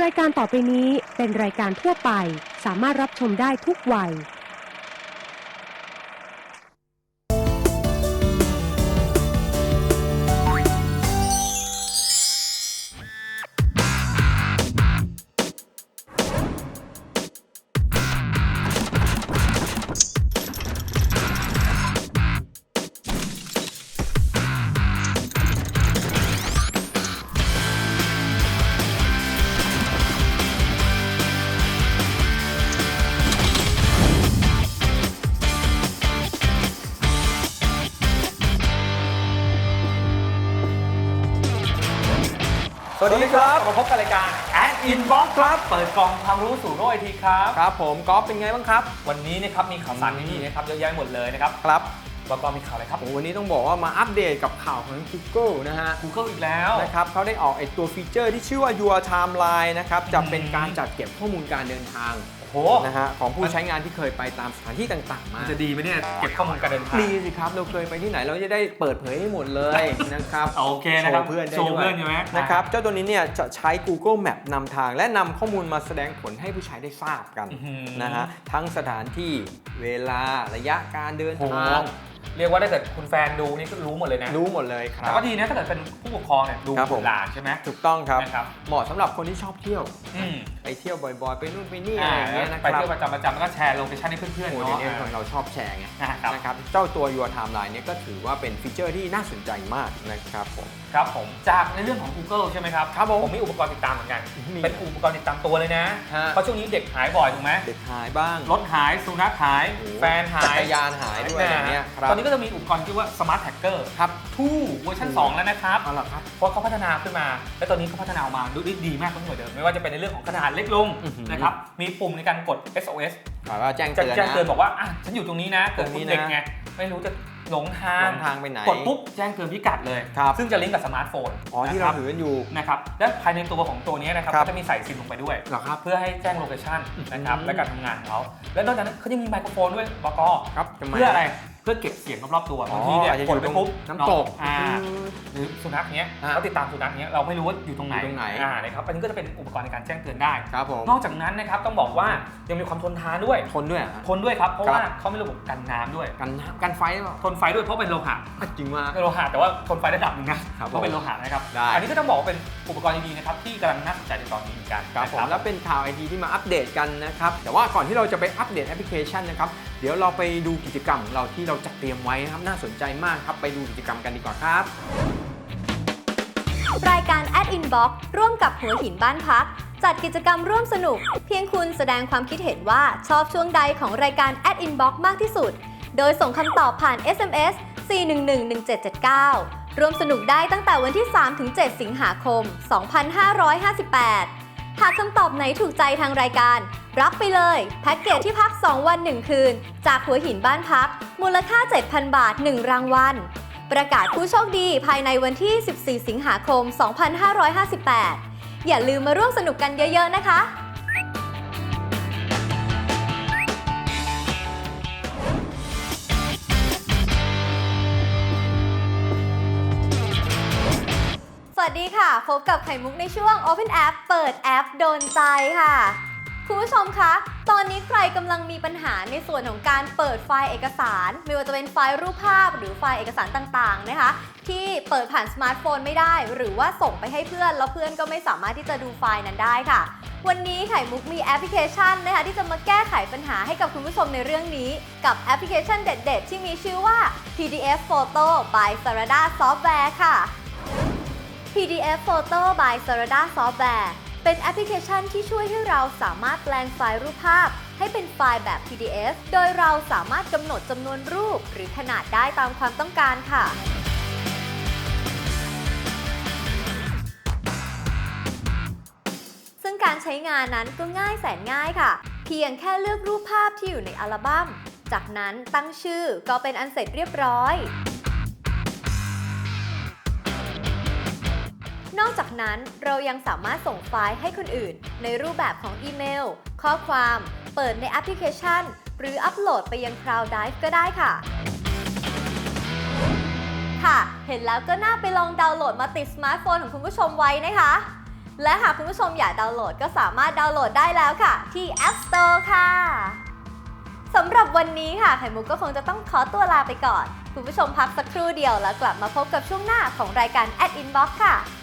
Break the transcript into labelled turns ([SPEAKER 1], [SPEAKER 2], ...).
[SPEAKER 1] รายการต่อไปนี้เป็นรายการทั่วไปสามารถรับชมได้ทุกวัย
[SPEAKER 2] สวัสดีครับ
[SPEAKER 3] มาพบกับรายการ Ad Inbox ครับเปิดกล่องความรู้สู่โลกไอทีครับ
[SPEAKER 2] ครับผมก๊อฟเป็นไงบ้างครับ
[SPEAKER 3] วันนี้นะครับมีข่าวสารดีๆนะครับเยอะแยะหมดเลยนะครับ
[SPEAKER 2] ครับ
[SPEAKER 3] แล้วก็มีข่าวอะไรครับ
[SPEAKER 2] วันนี้ต้องบอกว่ามาอัปเดตกับข่าวของ Google นะฮะ
[SPEAKER 3] Google อีกแล้ว
[SPEAKER 2] นะครับเขาได้ออกไอตัวฟีเจอร์ที่ชื่อว่า Your Timeline นะครับจะเป็นการจัดเก็บข้อมูลการเดินทางนะฮะของผู้ใช้งานที่เคยไปตามสถานที่ต่างๆมา
[SPEAKER 3] จะดีไหมเนี่ยเก็บข้อมูลการเดินทาง
[SPEAKER 2] ดีสิครับเราเคยไปที่ไหนเราจะได้เปิดเผยให้หมดเลยนะครับ
[SPEAKER 3] โอเคนะครับ
[SPEAKER 2] โชว์เพื่อนใช่ไหมนะครับเจ้าตัวนี้เนี่ยจะใช้ Google Map นำทางและนำข้อมูลมาแสดงผลให้ผู้ใช้ได้ทราบกันนะฮะทั้งสถานที่เวลาระยะการเดินทาง
[SPEAKER 3] เรียกว่าถ้าเกิดคุณแฟนดูนี่ก็รู้หมดเลยนะ
[SPEAKER 2] รู้หมดเลยครับ
[SPEAKER 3] แต่ก็ดีนะถ้าเกิดเป็นผู้ปกครองเนี่ยดูหลานใช่ไหม
[SPEAKER 2] ถูกต้องครับเหมาะสำหรับคนที่ชอบเที่ยวไปเที่ยวบ่อยๆไปนู่นไปนี่อะไรอย่างเงี้ยนะครับ
[SPEAKER 3] ไปเที่ยวประจำแล้วก็แชร์โลเคชั่นให้เพื่อนๆ
[SPEAKER 2] เนาะคนเราชอบแชร์ไงนะครับเจ้าตัว Your Timeline เนี่ยก็ถือว่าเป็นฟีเจอร์ที่น่าสนใจมากนะครับ
[SPEAKER 3] ผมจากในเรื่องของ Google ใช่ไหมครับผมมีอุปกรณ์ติดตามเหมือนกันเป็นอุปกรณ์ติดตามตัวเลยนะเพราะช่วงนี้เด็กหายบ่อยถูกไหม
[SPEAKER 2] เด็กหายบ้าง
[SPEAKER 3] รถหายสุนัขหายแฟนหาย
[SPEAKER 2] จักรยานหายด้วยอย่างเงี้ย
[SPEAKER 3] ตอนนี้ก็จะมีอุปกรณ์ที่ว่า Smart Tracker
[SPEAKER 2] ครับ
[SPEAKER 3] 2เวอร์ชัน2แล้วนะครับเพราะเขาพัฒนาขึ้นมาและตอนนี้เขาพัฒนาออกมาดีมากขึ้นกว่าเดิมไม่ว่าจะเป็นในเรื่องของขนาดเล็กลงนะครับมีปุ่มในการกด SOS
[SPEAKER 2] แจ้งเ
[SPEAKER 3] ตือนบอกว่าฉันอยู่ตรงนี้นะเกิดเด็กไงไม่รู้จะหลงทาง
[SPEAKER 2] ไปไหน
[SPEAKER 3] กดปุ๊บแจ้งเตือนพิกัดเลยซึ่งจะลิงก์กับสมาร์ทโฟน
[SPEAKER 2] ที่เราถือกันอยู่
[SPEAKER 3] นะครับและภายในตัวของตัวนี้นะครับก็จะมีใส่ซิมลงไปด้วยเพื่อให้แจ้งโลเคชั่นนะครับและการทำงานของเขาและนอกจากนั้นเขาจะมีไมโครโฟนด้วยบก.เพื่ออะไรเพื่อเก็บเสียงรอบๆตัวบางทีเนี่ยกดไปปุ๊บ
[SPEAKER 2] น้ำตก
[SPEAKER 3] หรือสุนัขเนี้ยเขาติดตามสุนัขเนี้ยเราไม่รู้ว่าอยู่ตรงไหนนะครับอันนี้ก็จะเป็นอุปกรณ์ในการแจ้งเตือนได้นอกจากนั้นนะครับต้องบอกว่ายังมีความทนทานด้วยทนด้วยครับเพราะว่าเขามีระบบกันน้ำด้วย
[SPEAKER 2] กันไฟ
[SPEAKER 3] ทนไฟด้วยเพราะเป็นโลหะ
[SPEAKER 2] จริงมาก
[SPEAKER 3] เป็นโลหะแต่ว่าทนไฟระดับนึงนะเพราะเป็นโลหะนะครับอันนี้ก็ต้องบอกว่าเป็นอุปกรณ์ดีๆนะครับที่กำลังน่าสนใจในตอนนี้เหมือนกัน
[SPEAKER 2] ครับผมแล้วเป็นข่าวไอทีที่มาอัปเดตกันนะครับแต่ว่าก่อนที่เราจะไปอัปเดตแอปพลิเคชันนะครับเดี๋ยวเราไปดูกิจกรรมของเราที่เราจัดเตรียมไว้นะครับน่าสนใจมากครับไปดูกิจกรรมกันดีกว่าครับ
[SPEAKER 4] รายการ Ad Inbox ร่วมกับหัวหินบ้านพักจัดกิจกรรมร่วมสนุกเพียงคุณแสดงความคิดเห็นว่าชอบช่วงใดของรายการ Ad Inbox มากที่สุดโดยส่งคำตอบผ่าน SMS 4111779ร่วมสนุกได้ตั้งแต่วันที่ 3-7 สิงหาคม 2558หากคำตอบไหนถูกใจทางรายการรับไปเลยแพ็กเกจที่พัก 2 วัน 1 คืนจากหัวหินบ้านพักมูลค่า 7,000 บาท 1 รางวัลประกาศผู้โชคดีภายในวันที่ 14 สิงหาคม 2558 อย่าลืมมาร่วมสนุกกันเยอะๆนะคะสวัสดีค่ะพบกับไข่มุกในช่วง Open App เปิดแอปโดนใจค่ะคุณผู้ชมคะตอนนี้ใครกำลังมีปัญหาในส่วนของการเปิดไฟล์เอกสารไม่ว่าจะเป็นไฟล์รูปภาพหรือไฟล์เอกสารต่างๆนะคะที่เปิดผ่านสมาร์ทโฟนไม่ได้หรือว่าส่งไปให้เพื่อนแล้วเพื่อนก็ไม่สามารถที่จะดูไฟล์นั้นได้ค่ะวันนี้ไข่มุกมีแอปพลิเคชันนะคะที่จะมาแก้ไขปัญหาให้กับคุณผู้ชมในเรื่องนี้กับแอปพลิเคชันเด็ดๆที่มีชื่อว่า PDF Photo by Sarada Software ค่ะPDF Photo by Sarada Software เป็นแอปพลิเคชันที่ช่วยให้เราสามารถแปลงไฟล์รูปภาพให้เป็นไฟล์แบบ PDF โดยเราสามารถกำหนดจำนวนรูปหรือขนาดได้ตามความต้องการค่ะซึ่งการใช้งานนั้นก็ง่ายแสนง่ายค่ะเพียงแค่เลือกรูปภาพที่อยู่ในอัลบั้มจากนั้นตั้งชื่อก็เป็นอันเสร็จเรียบร้อยนอกจากนั้นเรายังสามารถส่งไฟล์ให้คนอื่นในรูปแบบของอีเมลข้อความเปิดในแอปพลิเคชันหรืออัปโหลดไปยัง Cloud Drive ก็ได้ค่ะเห็นแล้วก็น่าไปลองดาวน์โหลดมาติดสมาร์ทโฟนของคุณผู้ชมไว้นะคะและหากคุณผู้ชมอยากดาวน์โหลดก็สามารถดาวน์โหลดได้แล้วค่ะ ที่ App Store ค่ะสำหรับวันนี้ค่ะไข่มุกก็คงจะต้องขอตัวลาไปก่อนคุณผู้ชมพักสักครู่เดียวแล้วกลับมาพบกับช่วงหน้าของรายการ Inbox ค่ะ